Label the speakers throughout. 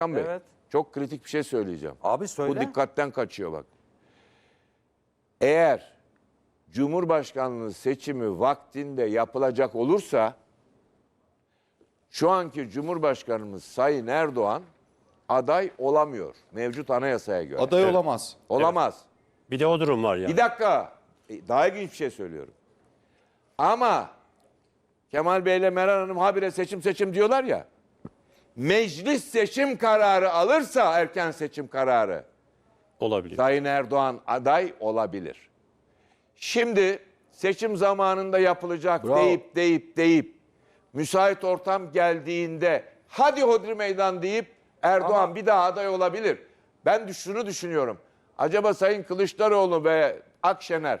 Speaker 1: Hakan Bey,
Speaker 2: Evet.
Speaker 1: çok kritik bir şey söyleyeceğim.
Speaker 2: Abi söyle.
Speaker 1: Bu dikkatten kaçıyor bak. Eğer Cumhurbaşkanlığı seçimi vaktinde yapılacak olursa şu anki Cumhurbaşkanımız Sayın Erdoğan aday olamıyor mevcut anayasaya göre.
Speaker 3: Aday olamaz.
Speaker 1: Olamaz.
Speaker 4: Bir de o durum var yani.
Speaker 1: Bir dakika. Daha ilginç bir şey söylüyorum. Ama Kemal Bey ile Meral Hanım habire seçim diyorlar ya. Meclis seçim kararı alırsa erken seçim kararı
Speaker 4: Olabilir.
Speaker 1: Sayın Erdoğan aday olabilir. Şimdi seçim zamanında yapılacak
Speaker 3: Bravo.
Speaker 1: deyip müsait ortam geldiğinde hadi hodri meydan deyip Erdoğan bir daha aday olabilir. Ben şunu düşünüyorum. Acaba Sayın Kılıçdaroğlu ve Akşener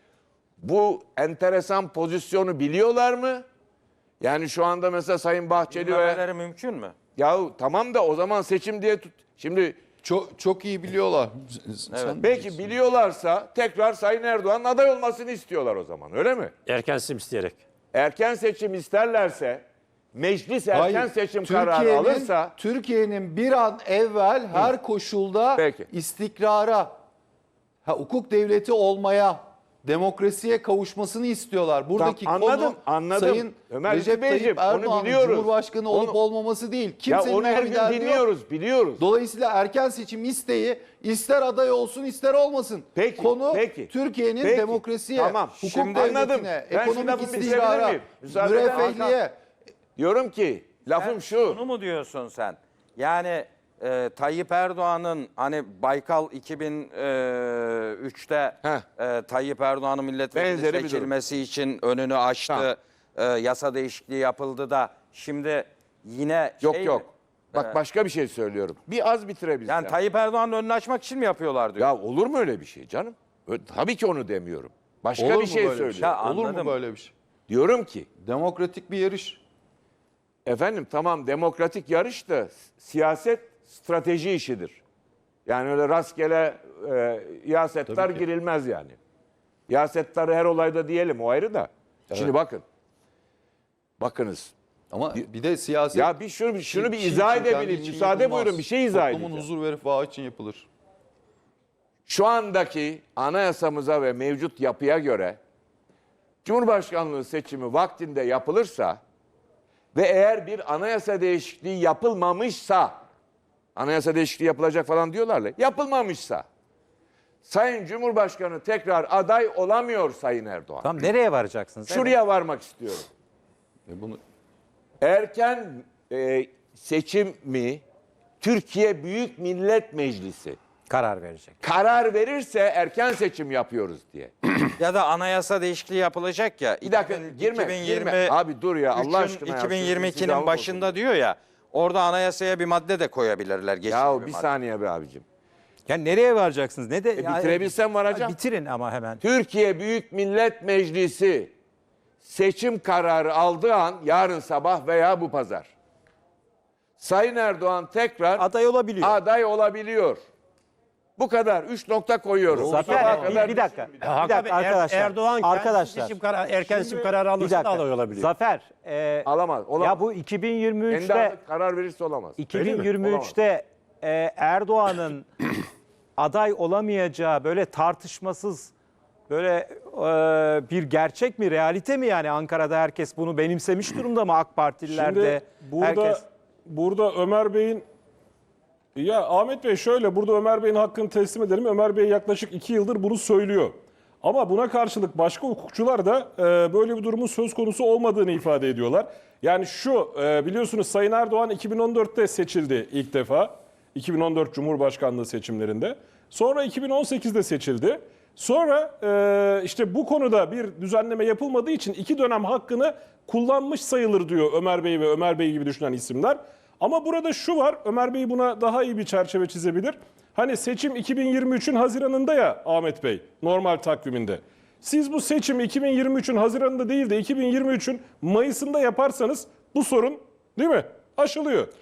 Speaker 1: bu enteresan pozisyonu biliyorlar mı? Yani şu anda mesela Sayın Bahçeli ve...
Speaker 2: Bilmemeleri mümkün mü?
Speaker 1: Yahu tamam da o zaman seçim diye tut. Şimdi
Speaker 3: Çok iyi biliyorlar. Sen
Speaker 1: belki biliyorlarsa tekrar Sayın Erdoğan'ın aday olmasını istiyorlar o zaman, öyle mi?
Speaker 4: Erken seçim isteyerek.
Speaker 1: Erken seçim isterlerse, meclis erken
Speaker 3: Hayır,
Speaker 1: seçim kararı alırsa...
Speaker 3: Türkiye'nin bir an evvel her koşulda
Speaker 1: Peki.
Speaker 3: istikrara, hukuk devleti olmaya, demokrasiye kavuşmasını istiyorlar. Buradaki
Speaker 1: Anladım.
Speaker 3: konu Sayın
Speaker 1: Ömer
Speaker 3: Recep
Speaker 1: Beyciğim,
Speaker 3: Tayyip
Speaker 1: onu
Speaker 3: Erdoğan'ın
Speaker 1: biliyoruz.
Speaker 3: Cumhurbaşkanı olup olmaması değil.
Speaker 1: Ya
Speaker 3: Kimsenin
Speaker 1: onu her
Speaker 3: öyle bir
Speaker 1: gün
Speaker 3: derdi yok.
Speaker 1: dinliyoruz.
Speaker 3: Dolayısıyla erken seçim isteği ister aday olsun ister olmasın.
Speaker 1: Peki,
Speaker 3: Konu
Speaker 1: peki.
Speaker 3: Türkiye'nin
Speaker 1: Peki,
Speaker 3: demokrasiye,
Speaker 1: tamam.
Speaker 3: hukuk
Speaker 1: Şimdi
Speaker 3: devletine,
Speaker 1: anladım. Ben şu
Speaker 3: ekonomik
Speaker 1: lafı bitirebilir
Speaker 3: istikrara,
Speaker 1: miyim? Müsaade eder misin?
Speaker 3: müreffehliğe.
Speaker 1: Diyorum ki, lafım şu.
Speaker 2: Bunu mu diyorsun sen? Yani Tayyip Erdoğan'ın hani Baykal 2003'te Tayyip Erdoğan'ın milletvekili
Speaker 1: Benzeri bir durum.
Speaker 2: seçilmesi için önünü açtı. Yasa değişikliği yapıldı da şimdi yine
Speaker 1: Yok
Speaker 2: şey
Speaker 1: yok.
Speaker 2: mi?
Speaker 1: Bak başka bir şey söylüyorum. Bir az bitirebilsem.
Speaker 2: Yani Tayyip Erdoğan'ın önünü açmak için mi yapıyorlar diyor.
Speaker 1: Ya olur mu öyle bir şey canım? Tabii ki onu demiyorum. Başka
Speaker 3: Olur
Speaker 1: bir
Speaker 3: mu
Speaker 1: şey
Speaker 3: böyle bir
Speaker 1: söylüyorum.
Speaker 2: Ya
Speaker 3: Olur
Speaker 2: anladım.
Speaker 3: mu böyle bir şey?
Speaker 1: Diyorum ki,
Speaker 3: Demokratik bir yarış.
Speaker 1: efendim tamam demokratik yarış da siyaset strateji işidir. Yani öyle rastgele yasetler girilmez yani. Yasetleri her olayda diyelim, o ayrı da. Şimdi bakın. Bakınız.
Speaker 3: Ama bir de siyaset...
Speaker 1: Ya bir şunu bir izah edebileyim. Müsaade buyurun, bir şey izah edeceğim.
Speaker 3: Toplumun huzur ve refahı için yapılır.
Speaker 1: Şu andaki anayasamıza ve mevcut yapıya göre Cumhurbaşkanlığı seçimi vaktinde yapılırsa ve eğer bir anayasa değişikliği yapılmamışsa, anayasa değişikliği yapılacak falan diyorlar ya, yapılmamışsa Sayın Cumhurbaşkanı tekrar aday olamıyor Sayın Erdoğan.
Speaker 5: Tamam, nereye varacaksınız?
Speaker 1: Şuraya varmak istiyorum.
Speaker 3: Bunu
Speaker 1: Erken seçim mi Türkiye Büyük Millet Meclisi
Speaker 5: Karar verecek.
Speaker 1: karar verirse erken seçim yapıyoruz diye.
Speaker 2: Ya da anayasa değişikliği yapılacak ya.
Speaker 1: Bir dakika girme. Abi dur ya Allah aşkına. ya.
Speaker 2: 2022'nin başında diyor ya. Orada anayasaya bir madde de koyabilirler. Geçici
Speaker 1: Ya
Speaker 2: bir
Speaker 1: bir
Speaker 2: madde.
Speaker 1: saniye be abicim.
Speaker 5: Yani nereye varacaksınız? Ne de
Speaker 1: Bitirebilsem varacağım.
Speaker 5: Bitirin ama hemen.
Speaker 1: Türkiye Büyük Millet Meclisi seçim kararı aldığı an yarın sabah veya bu pazar Sayın Erdoğan tekrar
Speaker 5: Aday olabiliyor.
Speaker 1: aday olabiliyor. Bu kadar. 3 nokta koyuyorum. Sabaha
Speaker 5: Zafer
Speaker 1: kadar
Speaker 5: bir dakika.
Speaker 4: Hakan
Speaker 5: Bir dakika
Speaker 4: Bey,
Speaker 5: arkadaşlar.
Speaker 4: Erdoğan
Speaker 5: Arkadaşlar.
Speaker 4: erken seçim kararı
Speaker 5: Bir
Speaker 4: alırsa da
Speaker 5: dakika.
Speaker 4: aday olabilir.
Speaker 5: Zafer.
Speaker 1: alamaz. Olamaz.
Speaker 5: Ya bu
Speaker 1: Kendi
Speaker 5: 2023'te
Speaker 1: aldığı karar verirse olamaz.
Speaker 5: 2023'te Erdoğan'ın aday olamayacağı böyle tartışmasız böyle bir gerçek mi, realite mi yani? Ankara'da herkes bunu benimsemiş durumda mı, AK Partililer de?
Speaker 6: Şimdi burada Ömer Bey'in, ya Ahmet Bey şöyle, burada Ömer Bey'in hakkını teslim edelim. Ömer Bey yaklaşık 2 yıldır bunu söylüyor. Ama buna karşılık başka hukukçular da böyle bir durumun söz konusu olmadığını ifade ediyorlar. Yani şu, biliyorsunuz Sayın Erdoğan 2014'te seçildi ilk defa. 2014 Cumhurbaşkanlığı seçimlerinde. Sonra 2018'de seçildi. Sonra işte bu konuda bir düzenleme yapılmadığı için 2 dönem hakkını kullanmış sayılır diyor Ömer Bey ve Ömer Bey gibi düşünen isimler. Ama burada şu var, Ömer Bey buna daha iyi bir çerçeve çizebilir. Hani seçim 2023'ün Haziran'ında ya Ahmet Bey, normal takviminde. Siz bu seçim 2023'ün Haziran'ında değil de 2023'ün Mayıs'ında yaparsanız bu sorun, değil mi, aşılıyor.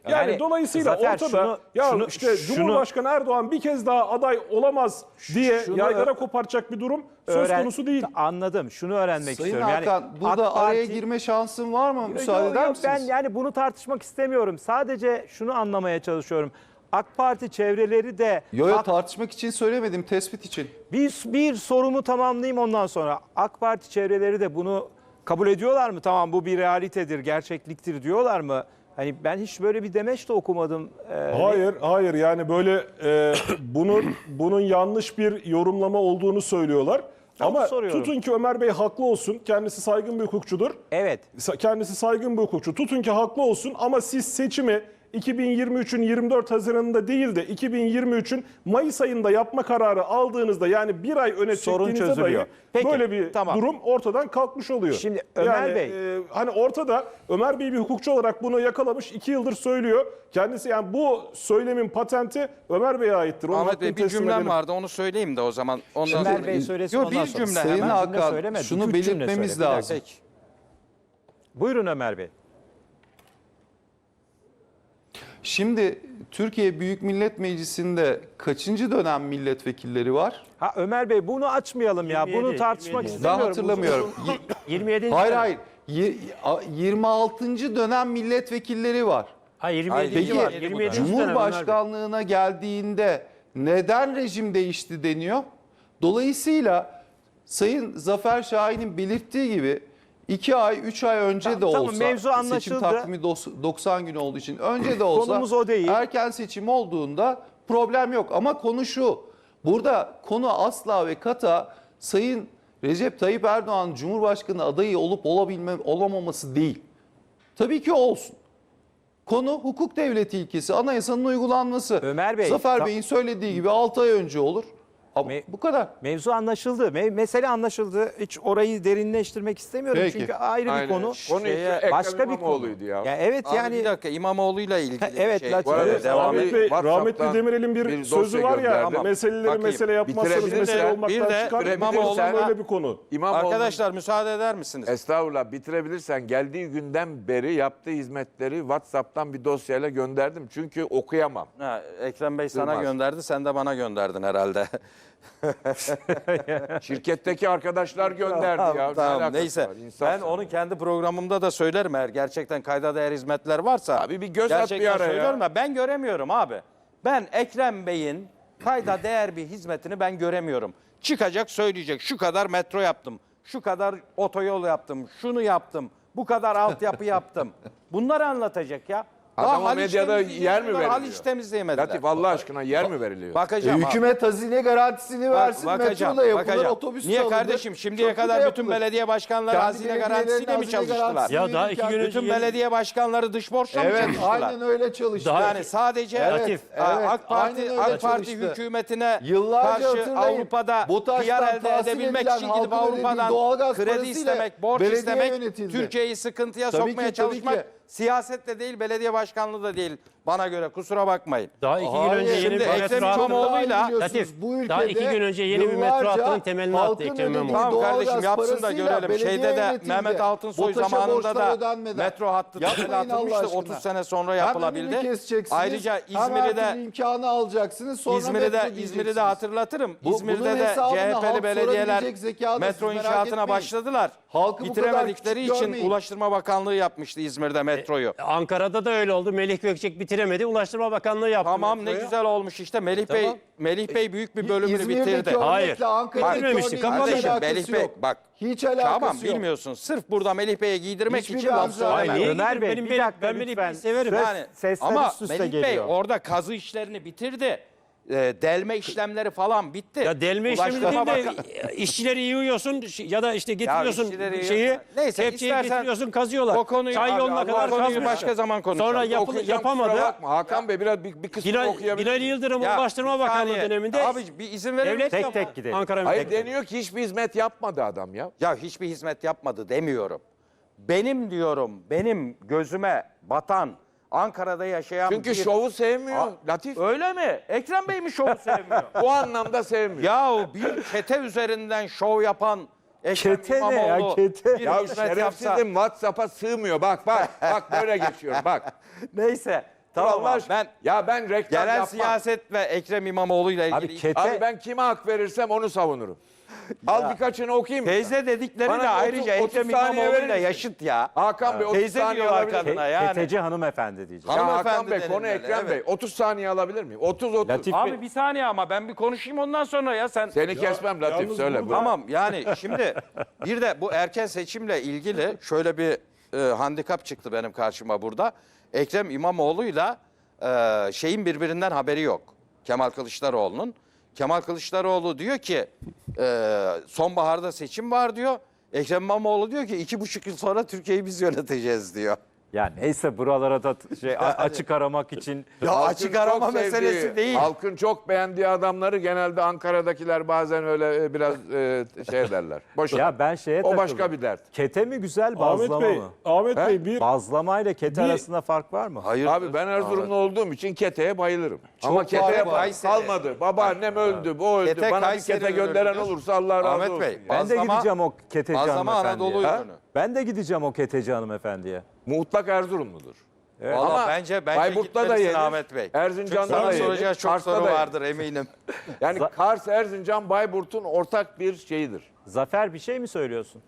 Speaker 6: Yani,
Speaker 5: Yani
Speaker 6: dolayısıyla
Speaker 5: Zafer,
Speaker 6: ortada Cumhurbaşkanı Erdoğan bir kez daha aday olamaz diye
Speaker 5: Şunu
Speaker 6: yaygara kopartacak bir durum söz konusu değil.
Speaker 5: Anladım. Şunu öğrenmek
Speaker 3: Sayın
Speaker 5: istiyorum.
Speaker 3: Hakan,
Speaker 5: yani
Speaker 3: burada
Speaker 5: AK
Speaker 3: araya
Speaker 5: Parti-
Speaker 3: girme şansın var mı? Müsaade
Speaker 5: Yok,
Speaker 3: eder
Speaker 5: yok,
Speaker 3: misiniz?
Speaker 5: ben yani bunu tartışmak istemiyorum. Sadece şunu anlamaya çalışıyorum. AK Parti çevreleri de
Speaker 3: Yo, tartışmak için söylemedim, tespit için.
Speaker 5: bir sorumu tamamlayayım ondan sonra. AK Parti çevreleri de bunu kabul ediyorlar mı? Tamam, bu bir realitedir, gerçekliktir diyorlar mı? Hani ben hiç böyle bir demeç de okumadım.
Speaker 6: Hayır yani böyle bunun yanlış bir yorumlama olduğunu söylüyorlar. Ama
Speaker 5: soruyorum.
Speaker 6: tutun ki Ömer Bey haklı olsun. Kendisi saygın bir hukukçudur.
Speaker 5: Evet.
Speaker 6: Kendisi saygın bir hukukçu. Tutun ki haklı olsun ama siz seçimi 2023'ün 24 Haziran'ında değil de 2023'ün Mayıs ayında yapma kararı aldığınızda, yani bir ay öne
Speaker 5: Sorun
Speaker 6: çektiğinizde
Speaker 5: çözülüyor.
Speaker 6: dahi
Speaker 5: Peki,
Speaker 6: böyle bir
Speaker 5: tamam.
Speaker 6: durum ortadan kalkmış oluyor.
Speaker 5: Şimdi Ömer
Speaker 6: yani,
Speaker 5: Bey.
Speaker 6: hani ortada Ömer Bey bir hukukçu olarak bunu yakalamış, 2 yıldır söylüyor. Kendisi, yani bu söylemin patenti Ömer Bey'e aittir. Onun
Speaker 2: Ahmet
Speaker 6: hakkını
Speaker 2: Bey, bir
Speaker 6: teslim
Speaker 2: cümlem
Speaker 6: edelim.
Speaker 2: vardı, onu söyleyeyim de o zaman. Ondan
Speaker 5: Ömer
Speaker 2: sonra.
Speaker 5: Bey söylesin,
Speaker 2: Yok,
Speaker 5: ondan
Speaker 2: bir
Speaker 5: sonra.
Speaker 2: cümle
Speaker 3: Sayın
Speaker 2: hemen.
Speaker 5: Hakan,
Speaker 3: Hakan,
Speaker 5: söylemedi,
Speaker 3: şunu
Speaker 5: 2-3 cümle
Speaker 3: belirtmemiz
Speaker 5: söyledi.
Speaker 3: lazım.
Speaker 2: Peki.
Speaker 5: Buyurun Ömer Bey.
Speaker 3: Şimdi Türkiye Büyük Millet Meclisi'nde kaçıncı dönem milletvekilleri var?
Speaker 5: Ha Ömer Bey, bunu açmayalım ya.
Speaker 4: 27,
Speaker 5: Bunu tartışmak
Speaker 4: 27.
Speaker 5: istemiyorum.
Speaker 3: Ben hatırlamıyorum.
Speaker 4: 27.
Speaker 3: Hayır hayır. 26. dönem milletvekilleri var.
Speaker 4: Ha 27.
Speaker 2: Hayır,
Speaker 3: Peki
Speaker 4: var. 27.
Speaker 3: Cumhurbaşkanlığına geldiğinde neden rejim değişti deniyor? Dolayısıyla Sayın Zafer Şahin'in belirttiği gibi 2 ay, 3 ay önce de
Speaker 5: Tamam,
Speaker 3: olsa,
Speaker 5: mevzu
Speaker 3: seçim
Speaker 5: anlaşıldı.
Speaker 3: takvimi 90 gün olduğu için önce de olsa,
Speaker 5: Konumuz o değil.
Speaker 3: erken seçim olduğunda problem yok. Ama konu şu, burada konu asla ve kata Sayın Recep Tayyip Erdoğan Cumhurbaşkanı adayı olup olamaması değil. Tabii ki olsun. Konu hukuk devleti ilkesi, anayasanın uygulanması.
Speaker 5: Ömer Bey,
Speaker 3: Zafer Bey'in söylediği gibi 6 ay önce olur. Ama
Speaker 5: Me-
Speaker 3: bu kadar.
Speaker 5: Mevzu anlaşıldı. Mesele anlaşıldı. Hiç orayı derinleştirmek istemiyorum.
Speaker 3: Peki.
Speaker 5: Çünkü ayrı bir
Speaker 1: Aynen.
Speaker 5: konu.
Speaker 1: Konu işte
Speaker 5: Başka
Speaker 1: Ekrem
Speaker 5: bir konu.
Speaker 1: İmamoğlu'ydu ya.
Speaker 5: Ya evet
Speaker 2: Abi
Speaker 5: yani
Speaker 2: bir dakika, İmamoğlu'yla ilgili
Speaker 5: Evet,
Speaker 2: bir şey.
Speaker 5: Latif.
Speaker 1: Bu arada
Speaker 5: Evet,
Speaker 2: devam
Speaker 1: abi,
Speaker 6: Ahmet Bey,
Speaker 1: WhatsApp'tan
Speaker 6: rahmetli Demirel'in bir
Speaker 1: bir
Speaker 6: sözü
Speaker 1: dosya
Speaker 6: var ya,
Speaker 1: gönderdim.
Speaker 6: meseleleri
Speaker 2: Bakayım.
Speaker 6: mesele yapmazsanız
Speaker 1: Bitirebilirsen-
Speaker 6: mesele olmaktan
Speaker 2: bir de
Speaker 6: çıkar.
Speaker 2: İmamoğlu'na-
Speaker 6: böyle bir konu.
Speaker 1: İmamoğlu,
Speaker 2: Arkadaşlar müsaade eder misiniz?
Speaker 1: estağfurullah, bitirebilirsen geldiği günden beri yaptığı hizmetleri WhatsApp'tan bir dosyayla gönderdim. Çünkü okuyamam.
Speaker 2: Ha, Ekrem Bey sana
Speaker 1: Sığmaz.
Speaker 2: gönderdi, sen de bana gönderdin herhalde.
Speaker 1: Şirketteki arkadaşlar gönderdi ya. Ne
Speaker 2: Tamam,
Speaker 1: alakası
Speaker 2: neyse.
Speaker 1: var? İnsaf
Speaker 2: Ben
Speaker 1: sana.
Speaker 2: onu kendi programımda da söylerim, eğer gerçekten kayda değer hizmetler varsa.
Speaker 1: Abi bir göz at
Speaker 2: gerçekten
Speaker 1: bir ara ya.
Speaker 2: söylüyorum da ben göremiyorum abi. Ben Ekrem Bey'in kayda değer bir hizmetini ben göremiyorum. Çıkacak söyleyecek, şu kadar metro yaptım, şu kadar otoyol yaptım, şunu yaptım, bu kadar altyapı yaptım. Bunları anlatacak ya. Daha
Speaker 1: Adama
Speaker 2: Haliç
Speaker 1: medyada
Speaker 2: temizleyecek,
Speaker 1: yer mi
Speaker 2: bunlar
Speaker 1: veriliyor?
Speaker 2: Haliç temizleyemediler.
Speaker 1: Latif, Allah aşkına yer mi veriliyor?
Speaker 2: Bakacağım abi.
Speaker 3: Hükümet hazine garantisini versin,
Speaker 2: Bakacağım,
Speaker 3: metro da yapılır,
Speaker 2: bakacağım.
Speaker 3: otobüs de
Speaker 2: Niye
Speaker 3: alınır,
Speaker 2: kardeşim? Şimdiye
Speaker 3: köprü de
Speaker 2: kadar bütün
Speaker 3: yapılır.
Speaker 2: belediye başkanları
Speaker 3: Kendi
Speaker 2: hazine
Speaker 3: belediyelerin
Speaker 2: garantisiyle mi
Speaker 3: hazine
Speaker 2: çalıştılar?
Speaker 3: garantisini
Speaker 4: Ya daha 2 gün
Speaker 3: verirken-
Speaker 4: önce
Speaker 2: Bütün belediye başkanları dış borçla mı
Speaker 3: Evet,
Speaker 2: çalıştılar?
Speaker 3: aynen öyle çalıştı.
Speaker 4: Daha-
Speaker 2: Yani sadece
Speaker 3: Evet, evet,
Speaker 2: AK Parti
Speaker 3: aynen öyle
Speaker 2: AK Parti
Speaker 3: çalıştı.
Speaker 2: hükümetine
Speaker 3: Yıllarca
Speaker 2: karşı
Speaker 3: hatırlayın,
Speaker 2: Avrupa'da
Speaker 3: BOTAŞ'tan
Speaker 2: PR elde
Speaker 3: tahsil
Speaker 2: edebilmek
Speaker 3: edilen,
Speaker 2: için gidip
Speaker 3: halkın ödediği
Speaker 2: Avrupa'dan
Speaker 3: doğalgaz
Speaker 2: kredi
Speaker 3: parasıyla
Speaker 2: istemek, borç
Speaker 3: belediye
Speaker 2: istemek,
Speaker 3: yönetildi.
Speaker 2: Türkiye'yi sıkıntıya
Speaker 3: Tabii
Speaker 2: sokmaya
Speaker 3: ki, tabii
Speaker 2: çalışmak
Speaker 3: ki.
Speaker 2: siyaset de değil, belediye başkanlığı da değil bana göre, kusura bakmayın.
Speaker 4: Daha 2 gün
Speaker 3: Hayır,
Speaker 4: önce yeni
Speaker 2: şimdi
Speaker 4: bir
Speaker 2: Ekrem
Speaker 4: metro hattı.
Speaker 2: İmamoğlu'yla-
Speaker 3: Biliyorsunuz,
Speaker 4: Latif,
Speaker 3: bu
Speaker 4: daha
Speaker 3: ülkede
Speaker 4: 2 gün önce yeni bir metro
Speaker 3: yıllarca
Speaker 4: hattının temelini attı
Speaker 3: halkın
Speaker 4: Ekrem
Speaker 3: ödediği
Speaker 4: İmamoğlu.
Speaker 2: Tamam
Speaker 3: doğalgaz
Speaker 2: kardeşim, yapsın da
Speaker 3: parasıyla
Speaker 2: görelim.
Speaker 3: belediye
Speaker 2: Şeyde de
Speaker 3: yönetildi.
Speaker 2: Mehmet Altınsoy
Speaker 3: BOTAŞ'a
Speaker 2: zamanında
Speaker 3: borçlar
Speaker 2: da
Speaker 3: ödenmeden.
Speaker 2: metro hattı temeli
Speaker 3: Yapmayın Allah
Speaker 2: atılmıştı.
Speaker 3: aşkına.
Speaker 2: 30 sene sonra
Speaker 3: Hem
Speaker 2: yapılabildi.
Speaker 3: önünü keseceksiniz,
Speaker 2: Ayrıca
Speaker 3: hem her
Speaker 2: İzmir'i
Speaker 3: türlü
Speaker 2: de
Speaker 3: imkanı alacaksınız, sonra
Speaker 2: İzmir'i
Speaker 3: metro
Speaker 2: de
Speaker 3: diyeceksiniz.
Speaker 2: hatırlatırım.
Speaker 3: Bunun
Speaker 2: İzmir'de de
Speaker 3: hesabını halk
Speaker 2: CHP'li belediyeler
Speaker 3: sorabilecek zekada,
Speaker 2: metro
Speaker 3: siz merak
Speaker 2: inşaatına
Speaker 3: etmeyin.
Speaker 2: başladılar.
Speaker 3: Halkı bu kadar
Speaker 2: Bitiremedikleri
Speaker 3: küçük
Speaker 2: için
Speaker 3: görmeyin.
Speaker 2: Ulaştırma Bakanlığı yapmıştı İzmir'de metroyu.
Speaker 4: Ankara'da da öyle oldu. Melih Gökçek bitiremedi. Ulaştırma Bakanlığı yaptı.
Speaker 2: Tamam, ne
Speaker 4: metroyu.
Speaker 2: güzel olmuş işte. Melih
Speaker 4: Tamam.
Speaker 2: Bey büyük bir bölümünü
Speaker 3: İzmir'deki
Speaker 2: bitirdi.
Speaker 4: Hayır.
Speaker 3: örnekle Ankara'daki
Speaker 4: Bitirmemişti,
Speaker 3: örneğin
Speaker 4: kapalı.
Speaker 3: hiç alakası
Speaker 2: Melih Bey,
Speaker 3: yok.
Speaker 2: bak.
Speaker 3: Hiç alakası
Speaker 2: Tamam,
Speaker 3: yok.
Speaker 2: bilmiyorsun. Sırf burada Melih Bey'e giydirmek
Speaker 3: Hiçbir
Speaker 2: için laf
Speaker 3: benzer-
Speaker 2: söylemem.
Speaker 4: Ay, niye
Speaker 5: Ömer
Speaker 4: gidip
Speaker 5: Bey,
Speaker 4: benim-
Speaker 5: bir dakika
Speaker 4: ben Melih
Speaker 5: lütfen.
Speaker 4: Bey'i severim.
Speaker 5: Söz-
Speaker 2: Yani,
Speaker 5: sesler
Speaker 2: ama
Speaker 5: üst üste
Speaker 2: Melih Bey
Speaker 5: geliyor.
Speaker 2: orada kazı işlerini bitirdi. Delme işlemleri falan bitti.
Speaker 4: Ya delme işlemi
Speaker 2: Ulaştırma
Speaker 4: değil de
Speaker 2: Bakan-
Speaker 4: işçileri yığıyorsun ya da işte getiriyorsun
Speaker 2: işçileri
Speaker 4: şeyi,
Speaker 2: yığıyorsun. Neyse,
Speaker 4: kepçeyi
Speaker 2: istersen
Speaker 4: getiriyorsun, kazıyorlar.
Speaker 2: o konuyu-
Speaker 4: Çay
Speaker 2: abi,
Speaker 4: yoluna
Speaker 2: Allah
Speaker 4: kadar
Speaker 2: konuyu
Speaker 4: kazmışlar.
Speaker 2: başka zaman konuşalım.
Speaker 4: Sonra
Speaker 1: Okuyacağım, kusura
Speaker 4: yapamadı.
Speaker 1: bakma. Hakan Bey biraz bir kısmını okuyabilir.
Speaker 4: Bilal Yıldırım
Speaker 2: Ya,
Speaker 4: Ulaştırma
Speaker 2: bir
Speaker 4: Bakanlığı
Speaker 2: saniye.
Speaker 4: döneminde
Speaker 2: Abi bir izin verir
Speaker 4: devlet
Speaker 2: misin?
Speaker 5: Tek tek gidelim.
Speaker 4: Ankara
Speaker 1: Hayır,
Speaker 4: Metrosu.
Speaker 1: deniyor ki hiçbir hizmet yapmadı adam ya.
Speaker 2: Ya hiçbir hizmet yapmadı demiyorum. Benim diyorum, benim gözüme batan, Ankara'da yaşayan
Speaker 1: Çünkü
Speaker 2: bir...
Speaker 1: şovu sevmiyor Latif.
Speaker 2: Öyle mi? Ekrem Bey mi şovu sevmiyor?
Speaker 1: Bu anlamda sevmiyor.
Speaker 2: Yahu bir çete üzerinden şov yapan Ekrem
Speaker 5: Çete ne
Speaker 2: İmamoğlu
Speaker 5: ya, çete?
Speaker 2: bir
Speaker 1: Ya
Speaker 2: hizmet yapsa...
Speaker 1: şerefsizim, WhatsApp'a sığmıyor. Bak böyle geçiyor bak.
Speaker 2: Neyse. Tamam
Speaker 1: Allah
Speaker 2: abi,
Speaker 1: aşkına. Ben reklam
Speaker 2: Genel
Speaker 1: yapmam.
Speaker 2: siyaset ve Ekrem İmamoğlu ile
Speaker 5: Abi
Speaker 2: ilgili
Speaker 1: Abi ben kime hak verirsem onu savunurum. Al birkaçını okuyayım. mı?
Speaker 2: teyze dedikleri
Speaker 1: Bana
Speaker 2: de
Speaker 1: bir
Speaker 2: ayrıca
Speaker 1: 30
Speaker 2: Ekrem
Speaker 1: saniye
Speaker 2: İmamoğlu
Speaker 1: verir
Speaker 2: ile
Speaker 1: misin?
Speaker 2: yaşıt ya.
Speaker 1: Hakan Bey 30
Speaker 2: Teyze
Speaker 1: saniye
Speaker 2: diyorlar
Speaker 1: alabilir miyim?
Speaker 2: kadına yani.
Speaker 5: Keteci hanımefendi diyeceğim.
Speaker 1: Ya
Speaker 2: Hanımefendi
Speaker 1: Hakan Bey konu
Speaker 2: denilmeli,
Speaker 1: Ekrem
Speaker 2: evet.
Speaker 1: Bey 30 saniye alabilir miyim? 30.
Speaker 5: Latif Bey,
Speaker 2: Abi bir saniye ama ben bir konuşayım ondan sonra ya sen.
Speaker 1: Seni kesmem Latif
Speaker 6: yalnız
Speaker 1: söyle.
Speaker 6: burada-
Speaker 1: buyur.
Speaker 2: Tamam yani şimdi bir de bu erken seçimle ilgili şöyle bir handikap çıktı benim karşıma burada. Ekrem İmamoğlu'yla şeyin birbirinden haberi yok. Kemal Kılıçdaroğlu'nun. Kemal Kılıçdaroğlu diyor ki sonbaharda seçim var diyor. Ekrem İmamoğlu diyor ki 2,5 yıl sonra Türkiye'yi biz yöneteceğiz diyor.
Speaker 5: ya neyse buralara da açık aramak için
Speaker 2: Ya
Speaker 1: Halkın
Speaker 2: açık arama
Speaker 1: çok sevdiği,
Speaker 2: meselesi değil.
Speaker 1: Halkın çok beğendiği adamları genelde Ankara'dakiler bazen öyle biraz şey derler. Boş ver.
Speaker 5: ya ben şeye
Speaker 1: O
Speaker 5: takıldım.
Speaker 1: başka bir dert.
Speaker 5: Kete mi güzel, bazlama
Speaker 6: Ahmet Bey,
Speaker 5: mı?
Speaker 6: Ahmet
Speaker 1: He?
Speaker 6: Bey bir
Speaker 5: Bazlama ile kete
Speaker 6: Bir-
Speaker 5: arasında fark var mı?
Speaker 2: Hayır.
Speaker 1: Abi ben Erzurumlu olduğum için keteye bayılırım. Ama keteye
Speaker 2: var. Kayseri.
Speaker 1: kalmadı. Babaannem öldü, bu öldü.
Speaker 2: Kete
Speaker 1: Bana bir
Speaker 2: Kayseri
Speaker 1: kete gönderen
Speaker 2: ürünüdür.
Speaker 1: olursa Allah razı
Speaker 2: Ahmet
Speaker 1: olsun.
Speaker 2: Bey,
Speaker 1: ya.
Speaker 5: Ben de
Speaker 2: Bazlama-
Speaker 5: gideceğim o keteci
Speaker 2: Bazlama
Speaker 5: hanımefendiye.
Speaker 2: Anadolu
Speaker 5: Ha?
Speaker 2: ürünü.
Speaker 5: Ben de gideceğim o keteci hanımefendiye.
Speaker 1: Mutlak Erzurumludur.
Speaker 2: Valla
Speaker 1: Ama
Speaker 2: bence
Speaker 1: Bayburt'ta da
Speaker 2: gitmelisin
Speaker 1: yenir.
Speaker 2: Ahmet Bey.
Speaker 1: Erzincan'da
Speaker 2: Çünkü sana
Speaker 1: da yenir.
Speaker 2: soracağı çok
Speaker 1: Kars'ta
Speaker 2: soru
Speaker 1: da yenir.
Speaker 2: vardır eminim.
Speaker 1: Yani Kars, Erzincan, Bayburt'un ortak bir şeyidir.
Speaker 5: Zafer bir şey mi söylüyorsun?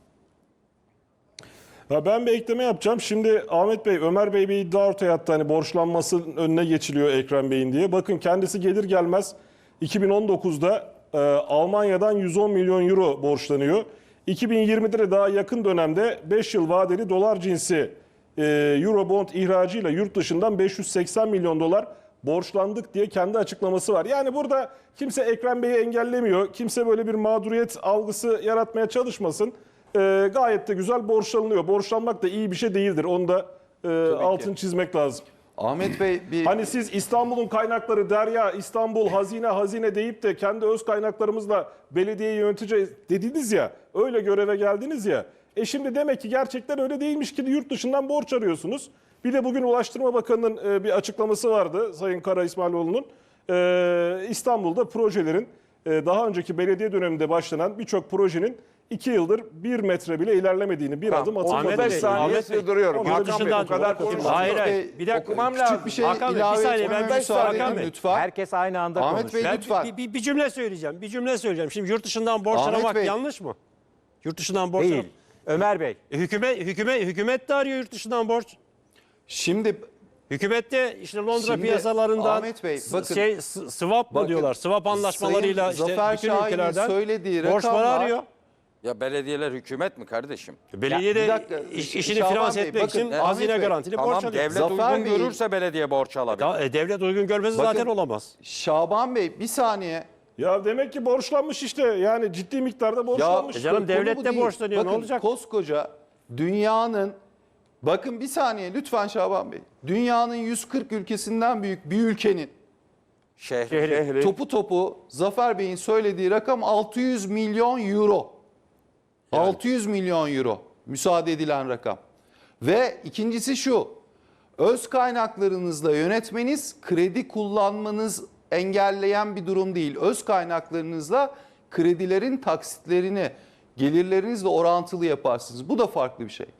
Speaker 6: Ya ben bir ekleme yapacağım. Şimdi Ahmet Bey, Ömer Bey bir iddia ortaya attı. Hani borçlanmasının önüne geçiliyor Ekrem Bey'in diye. Bakın kendisi gelir gelmez 2019'da Almanya'dan 110 milyon euro borçlanıyor. 2020'de de daha yakın dönemde 5 yıl vadeli dolar cinsi Eurobond ihracıyla yurt dışından 580 milyon dolar borçlandık diye kendi açıklaması var. Yani burada kimse Ekrem Bey'i engellemiyor. Kimse böyle bir mağduriyet algısı yaratmaya çalışmasın. Gayet de güzel borçlanılıyor. Borçlanmak da iyi bir şey değildir. Onu da altını çizmek lazım.
Speaker 3: Ahmet Bey bir
Speaker 6: Hani siz İstanbul'un kaynakları derya, İstanbul hazine deyip de kendi öz kaynaklarımızla belediyeyi yöneteceğiz dediniz ya. Öyle göreve geldiniz ya. Şimdi demek ki gerçekten öyle değilmiş ki yurt dışından borç arıyorsunuz. Bir de bugün Ulaştırma Bakanı'nın bir açıklaması vardı Sayın Kara İsmailoğlu'nun. İstanbul'da projelerin daha önceki belediye döneminde başlanan birçok projenin 2 yıldır 1 metre bile ilerlemediğini, bir adım atılmadığını.
Speaker 1: 35 saniye
Speaker 4: Ahmet Bey,
Speaker 1: sığdırıyorum.
Speaker 6: yurt
Speaker 1: Hakan Bey
Speaker 4: dışından
Speaker 1: bu kadar
Speaker 4: çok
Speaker 1: konuşma.
Speaker 4: Hayır
Speaker 3: Bey,
Speaker 4: hayır. Bir dakika.
Speaker 1: Okumam
Speaker 3: küçük
Speaker 1: lazım.
Speaker 3: bir şey
Speaker 4: Hakan Bey,
Speaker 3: ilave
Speaker 4: bir saniye,
Speaker 3: etmeme
Speaker 4: ben
Speaker 3: müsaade
Speaker 4: Hakan
Speaker 3: edin
Speaker 4: Bey.
Speaker 3: lütfen.
Speaker 5: Herkes aynı anda
Speaker 3: Ahmet
Speaker 5: konuşuyor.
Speaker 3: Bey
Speaker 4: Ben
Speaker 3: lütfen.
Speaker 4: bir cümle söyleyeceğim. Bir cümle söyleyeceğim. Şimdi yurt dışından borç
Speaker 3: Ahmet
Speaker 4: aramak
Speaker 3: Bey.
Speaker 4: yanlış mı? Yurt dışından borç
Speaker 5: Değil.
Speaker 4: aramak.
Speaker 5: Ömer Bey.
Speaker 4: Hükümet de arıyor yurt dışından borç.
Speaker 3: Şimdi
Speaker 4: Hükümet de işte Londra
Speaker 3: Şimdi
Speaker 4: piyasalarından
Speaker 3: Ahmet Bey, bakın-
Speaker 4: swap mı
Speaker 3: Bakın,
Speaker 4: diyorlar? Swap anlaşmalarıyla
Speaker 3: Sayın
Speaker 4: işte
Speaker 3: Zafer
Speaker 4: bütün
Speaker 3: Şahin'in
Speaker 4: ülkelerden
Speaker 3: söylediği
Speaker 4: borçları
Speaker 3: rakamlar-
Speaker 4: arıyor.
Speaker 2: Ya belediyeler hükümet mi kardeşim?
Speaker 4: Belediye
Speaker 3: bir
Speaker 4: de
Speaker 3: dakika,
Speaker 4: işini
Speaker 3: Şaban
Speaker 4: finanse
Speaker 3: Bey,
Speaker 4: etmek
Speaker 3: bakın,
Speaker 4: için
Speaker 3: Ahmet
Speaker 4: hazine
Speaker 3: Bey,
Speaker 4: garantili
Speaker 2: Tamam
Speaker 4: borç alıyor.
Speaker 2: devlet
Speaker 3: Zafer
Speaker 2: uygun
Speaker 3: Bey'in-
Speaker 2: görürse belediye borç alabilir.
Speaker 4: Devlet uygun görmesi
Speaker 3: Bakın-
Speaker 4: zaten olamaz.
Speaker 3: Şaban Bey bir saniye.
Speaker 6: Ya demek ki borçlanmış işte. Yani ciddi miktarda borçlanmış.
Speaker 4: canım,
Speaker 3: konu
Speaker 4: devlet
Speaker 3: bu
Speaker 4: de
Speaker 3: değil.
Speaker 4: borçlanıyor, ne
Speaker 3: Bakın,
Speaker 4: olacak?
Speaker 3: koskoca dünyanın, bakın bir saniye lütfen Şaban Bey. Dünyanın 140 ülkesinden büyük bir ülkenin
Speaker 2: Şehri.
Speaker 3: topu topu Zafer Bey'in söylediği rakam 600 milyon euro. 600 milyon euro müsaade edilen rakam. Ve ikincisi şu. Öz kaynaklarınızla yönetmeniz kredi kullanmanız engelleyen bir durum değil. Öz kaynaklarınızla kredilerin taksitlerini gelirlerinizle orantılı yaparsınız. Bu da farklı bir şey.